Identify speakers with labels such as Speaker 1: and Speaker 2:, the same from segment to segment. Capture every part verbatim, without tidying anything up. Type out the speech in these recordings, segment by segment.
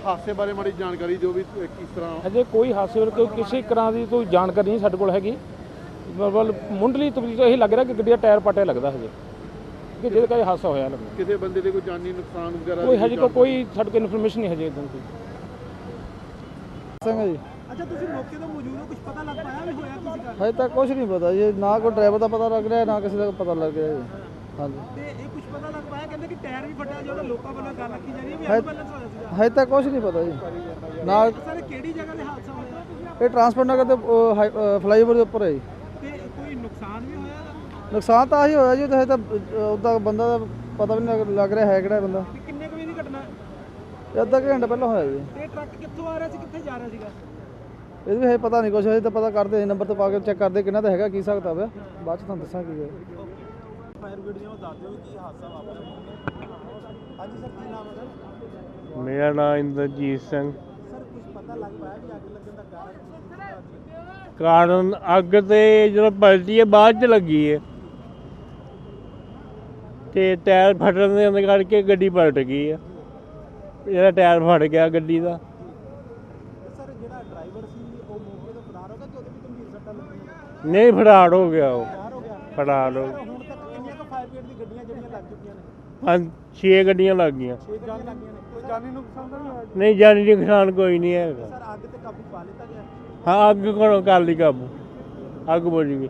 Speaker 1: ਹਾਦਸੇ ਬਾਰੇ ਮਾੜੀ ਜਾਣਕਾਰੀ ਜੋ ਵੀ ਕਿਸ ਤਰ੍ਹਾਂ
Speaker 2: ਅਜੇ ਕੋਈ ਹਾਦਸੇ ਬਾਰੇ ਕੋਈ ਕਿਸੇ ਤਰ੍ਹਾਂ ਦੀ ਕੋਈ ਜਾਣਕਾਰੀ ਨਹੀਂ ਸਾਡੇ ਕੋਲ ਹੈਗੀ। ਮਤਲਬ ਮੁੰਡਲੀ ਤਬਦੀਲ ਤੋਂ ਇਹ ਲੱਗ ਰਿਹਾ ਕਿ ਗੱਡੀ ਦਾ ਟਾਇਰ ਪਟਿਆ ਲੱਗਦਾ ਹਜੇ ਕਿ ਜਿਹਦੇ ਕਰਕੇ ਹਾਦਸਾ ਹੋਇਆ ਲੱਗਦਾ।
Speaker 1: ਕਿਸੇ ਬੰਦੇ ਦੇ ਕੋਈ ਜਾਨੀ ਨੁਕਸਾਨ ਵਗੈਰਾ
Speaker 2: ਕੋਈ ਹਜੇ ਕੋਈ ਸਾਡੇ ਕੋਲ ਇਨਫੋਰਮੇਸ਼ਨ ਨਹੀਂ ਹਜੇ ਇਦਾਂ ਦੀ।
Speaker 3: ਸਿੰਘ ਜੀ
Speaker 4: ਅੱਛਾ ਤੁਸੀਂ ਮੌਕੇ ਤੋਂ ਮੌਜੂਦ ਹੋ, ਕੁਝ ਪਤਾ ਲੱਗ ਪਾਇਆ ਵੀ ਹੋਇਆ ਕਿਸੇ ਦਾ?
Speaker 3: ਹਜੇ ਤੱਕ ਕੁਝ ਨਹੀਂ ਪਤਾ ਜੀ, ਨਾ ਕੋਈ ਡਰਾਈਵਰ ਦਾ ਪਤਾ ਲੱਗ ਰਿਹਾ ਨਾ ਕਿਸੇ ਦਾ ਪਤਾ ਲੱਗ ਰਿਹਾ ਜੀ। ਹਾਂਜੀ
Speaker 4: ਤੇ ਇਹ ਕੁਝ ਪਤਾ ਲੱਗ ਪਾਇਆ, ਕਹਿੰਦੇ ਕਿ ਟਾਇਰ ਵੀ ਫਟਿਆ, ਜਿਹੜਾ ਲੋਕਾਂ ਵੱਲੋਂ ਗੱਲ ਆਖੀ ਜਾ ਰਹੀ ਹੈ ਵੀ ਐਂਬੂਲੈਂਸ ਹੋਇਆ ਸੀਗਾ।
Speaker 3: ਹਜੇ ਤੱਕ ਕੁਝ ਨਹੀਂ ਪਤਾ ਜੀ। ਨਾਲ
Speaker 4: ਸਰ ਕਿਹੜੀ ਜਗ੍ਹਾ ਤੇ ਹਾਦਸਾ ਹੋਇਆ
Speaker 3: ਇਹ ਟਰਾਂਸਪੋਰਟ ਨਗਰ ਦੇ ਫਲਾਈਓਵਰ ਦੇ ਉੱਪਰ ਹੈ ਜੀ।
Speaker 4: ਤੇ ਕੋਈ ਨੁਕਸਾਨ ਵੀ ਹੋਇਆ ਇਹਦਾ?
Speaker 3: ਨੁਕਸਾਨ ਤਾਂ ਆਹੀ ਹੋਇਆ ਜੀ, ਹਜੇ ਤਾਂ ਉੱਦਾਂ ਬੰਦਾ ਦਾ ਪਤਾ ਵੀ ਨਹੀਂ ਲੱਗ ਰਿਹਾ ਹੈ ਕਿਹੜਾ ਬੰਦਾ।
Speaker 4: ਤੇ ਕਿੰਨੇ ਕੁ ਵਜੇ ਦੀ ਘਟਨਾ?
Speaker 3: ਇਹ ਅੱਧਾ ਘੰਟਾ ਪਹਿਲਾਂ ਹੋਇਆ ਜੀ।
Speaker 4: ਤੇ ਟਰੱਕ ਕਿੱਥੋਂ ਆ ਰਿਹਾ ਸੀ, ਕਿੱਥੇ ਜਾ ਰਿਹਾ ਸੀਗਾ?
Speaker 3: ਇਹ ਵੀ ਹਜੇ ਪਤਾ ਨਹੀਂ ਕੁਛ, ਹਜੇ ਤਾਂ ਪਤਾ ਕਰਦੇ ਨੰਬਰ ਤੇ ਪਾ ਕੇ ਚੈੱਕ ਕਰਦੇ ਕਿੰਨਾ ਤਾਂ ਹੈਗਾ ਕੀ ਸਕਦਾ ਪਿਆ, ਬਾਅਦ ਚ ਤੁਹਾਨੂੰ ਦੱਸਾਂ ਕੀ ਹੈ।
Speaker 4: ਫਾਇਰ ਬ੍ਰਿਗੇਡ ਨੂੰ ਦੱਸ ਦਿਓ ਕੀ ਹਾਦਸਾ ਵਾਪਰਿਆ। ਹਾਂਜੀ ਸਰ, ਕੀ ਨਾਮ ਹੈ ਸਰ?
Speaker 5: ਮੇਰਾ ਨਾਮ ਇੰਦਰਜੀਤ ਸਿੰਘ।
Speaker 4: ਸਰ ਕੁਝ ਪਤਾ ਲੱਗ ਪਾਇਆ ਵੀ ਅੱਗ ਲੱਗਣ ਦਾ ਕਾਰਨ?
Speaker 5: ਕਾਰਨ ਅੱਗ ਤੇ ਜਦੋਂ ਪਲਟੀ ਹੈ ਬਾਅਦ ਚ ਲੱਗੀ ਹੈ ਤੇ ਟਾਇਰ ਫਟਣ ਦੇ ਕਰਕੇ ਗੱਡੀ ਪਲਟ ਗਈ ਹੈ। ਜਿਹੜਾ ਟਾਇਰ ਫਟ ਗਿਆ ਗੱਡੀ ਦਾ।
Speaker 4: ਸਰ ਜਿਹੜਾ ਡਰਾਈਵਰ ਸੀ ਉਹ ਮੌਕੇ ਤੋਂ ਫਰਾਰ ਹੋ ਗਿਆ ਕਿ ਉਹਦੇ ਵੀ ਗੰਭੀਰ ਸੱਟਾਂ ਲੱਗੀਆਂ?
Speaker 5: ਨਹੀਂ ਫੜਾੜ ਹੋ ਗਿਆ ਉਹ
Speaker 4: ਫਰਾਰ ਹੋ ਗਿਆ।
Speaker 5: ਫੜਾੜ ਹੋ
Speaker 4: ਸਰ ਹੁਣ ਤੱਕ ਕਿੰਨੀਆਂ ਕੁ ਫਾਇਰ ਬ੍ਰਿਗੇਡ ਦੀ ਗੱਡੀਆਂ ਜਿਹੜੀਆਂ ਲੱਗ ਚੁੱਕੀਆਂ ਨੇ?
Speaker 5: ਪੰਜ ਛੇ ਗੱਡੀਆਂ ਲੱਗ ਗਈਆਂ।
Speaker 4: ਛੇ ਜਾਨ ਲੱਗੀਆਂ ਨੇ। ਕੋਈ ਜਾਨੀ ਨੁਕਸਾਨ ਤਾਂ ਨਹੀਂ ਹੋਇਆ?
Speaker 5: ਨਹੀਂ ਜਾਨੀ ਨੁਕਸਾਨ ਕੋਈ ਨਹੀਂ ਹੈਗਾ।
Speaker 4: ਸਰ ਅੱਗ ਤੇ ਕਾਬੂ ਪਾ ਲਿੱਤਾ ਗਿਆ?
Speaker 5: ਹਾਂ ਅੱਗ ਕੋਲੋਂ ਕਰ ਲਈ ਕਾਬੂ, ਅੱਗ ਬੁਝ ਗਈ।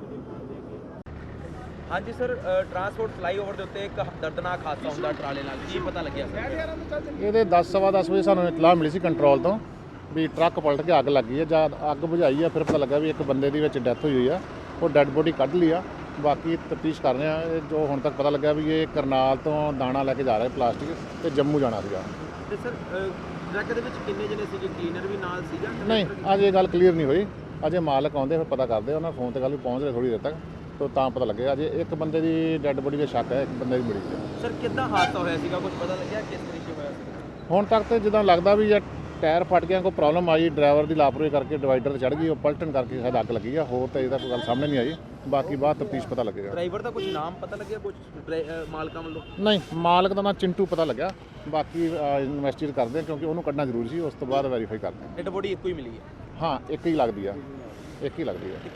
Speaker 6: ਹਾਂਜੀ ਸਰ, ਟਰਾਂਸਪੋਰਟ ਫਲਾਈਓਵਰ ਦੇ ਉੱਤੇ ਇੱਕ ਦਰਦਨਾਕ ਹਾਦਸਾ ਹੁੰਦਾ ਟਰਾਲੇ ਨਾਲ, ਕੀ ਪਤਾ ਲੱਗਿਆ ਸਰ?
Speaker 7: ਇਹਦੇ ਦਸ ਸਵਾ ਦਸ ਵਜੇ ਸਾਨੂੰ ਇਤਲਾਹ ਮਿਲੀ ਸੀ ਕੰਟਰੋਲ ਤੋਂ ਵੀ ਟਰੱਕ ਪਲਟ ਕੇ ਅੱਗ ਲੱਗੀ ਹੈ। ਜਦ ਅੱਗ ਬੁਝਾਈ ਆ ਫਿਰ ਪਤਾ ਲੱਗਾ ਵੀ ਇੱਕ ਬੰਦੇ ਦੀ ਵਿੱਚ ਡੈਥ ਹੋਈ ਹੋਈ ਆ। ਉਹ ਡੈੱਡ ਬੋਡੀ ਕੱਢ ਲਈ ਆ। ਬਾਕੀ ਤਫਤੀਸ਼ ਕਰ ਰਹੇ ਆ। ਇਹ ਜੋ ਹੁਣ ਤੱਕ ਪਤਾ ਲੱਗਾ ਵੀ ਇਹ ਕਰਨਾਲ ਤੋਂ ਦਾਣਾ ਲੈ ਕੇ ਜਾ ਰਿਹਾ ਪਲਾਸਟਿਕ ਤੇ ਜੰਮੂ ਜਾਣਾ ਸੀਗਾ।
Speaker 6: ਤੇ ਸਰ ਟਰੱਕ ਦੇ ਵਿੱਚ ਕਿੰਨੇ ਜਣੇ ਸੀਗੇ? ਕਲੀਨਰ ਵੀ ਨਾਲ ਸੀਗਾ?
Speaker 7: ਨਹੀਂ ਅਜੇ ਇਹ ਗੱਲ ਕਲੀਅਰ ਨਹੀਂ ਹੋਈ। ਅਜੇ ਮਾਲਕ ਆਉਂਦੇ ਫਿਰ ਪਤਾ ਕਰਦੇ। ਉਹਨਾਂ ਫੋਨ ਤੇ ਗੱਲ ਵੀ ਪਹੁੰਚ ਰਹੇ ਥੋੜੀ ਦੇਰ ਤੱਕ ਤੋਂ ਤਾਂ ਪਤਾ ਲੱਗੇਗਾ। ਅਜੇ ਇੱਕ ਬੰਦੇ ਦੀ ਡੈੱਡ ਬੋਡੀ ਦਾ ਸ਼ੱਕ ਹੈ, ਇੱਕ ਬੰਦੇ ਦੀ ਮਿਲੀ ਹੈ।
Speaker 6: ਸਰ ਕਿੱਦਾਂ ਹਾਦਸਾ ਹੋਇਆ ਸੀਗਾ, ਕੁਝ ਪਤਾ ਲੱਗਿਆ ਕਿਸ ਤਰੀਕੇ ਹੋਇਆ ਸੀ?
Speaker 7: ਹੁਣ ਤੱਕ ਤੇ ਜਿੱਦਾਂ ਲੱਗਦਾ ਵੀ ਜੇ ਟਾਇਰ ਫਟ ਗਿਆ, ਕੋਈ ਪ੍ਰੋਬਲਮ ਆਈ, ਡਰਾਈਵਰ ਦੀ ਲਾਪਰਵਾਹੀ ਕਰਕੇ ਡਿਵਾਈਡਰ ਤੇ ਚੜ ਗਈ, ਉਹ ਪਲਟਣ ਕਰਕੇ ਸ਼ਾਇਦ ਅੱਗ ਲੱਗੀ ਆ। ਹੋਰ ਤਾਂ ਇਹਦਾ ਕੋਈ ਗੱਲ ਸਾਹਮਣੇ ਨਹੀਂ ਆਈ। ਬਾਕੀ ਬਾਅਦ ਤਫਤੀਸ਼ ਪਤਾ ਲੱਗੇਗਾ।
Speaker 6: ਡਰਾਈਵਰ ਦਾ ਕੁਝ ਨਾਮ ਪਤਾ ਲੱਗਿਆ, ਕੁਝ ਮਾਲਕਾਂ ਵੱਲੋਂ?
Speaker 7: ਨਹੀਂ ਮਾਲਕ ਦਾ ਨਾਂ ਚਿੰਟੂ ਪਤਾ ਲੱਗਿਆ। ਬਾਕੀ ਇਨਵੈਸਟੀਗੇਟ ਕਰਦੇ ਆ ਕਿਉਂਕਿ ਉਹਨੂੰ ਕੱਢਣਾ ਜ਼ਰੂਰੀ ਸੀ। ਉਸ ਤੋਂ ਬਾਅਦ ਵੈਰੀਫਾਈ ਕਰਦੇ ਆ।
Speaker 6: ਡੈਡ ਬੋਡੀ ਇੱਕੋ ਹੀ ਮਿਲੀ ਹੈ?
Speaker 7: ਹਾਂ ਇੱਕ ਹੀ ਲੱਗਦੀ ਆ, ਇੱਕ ਹੀ ਲੱਗਦੀ ਆ।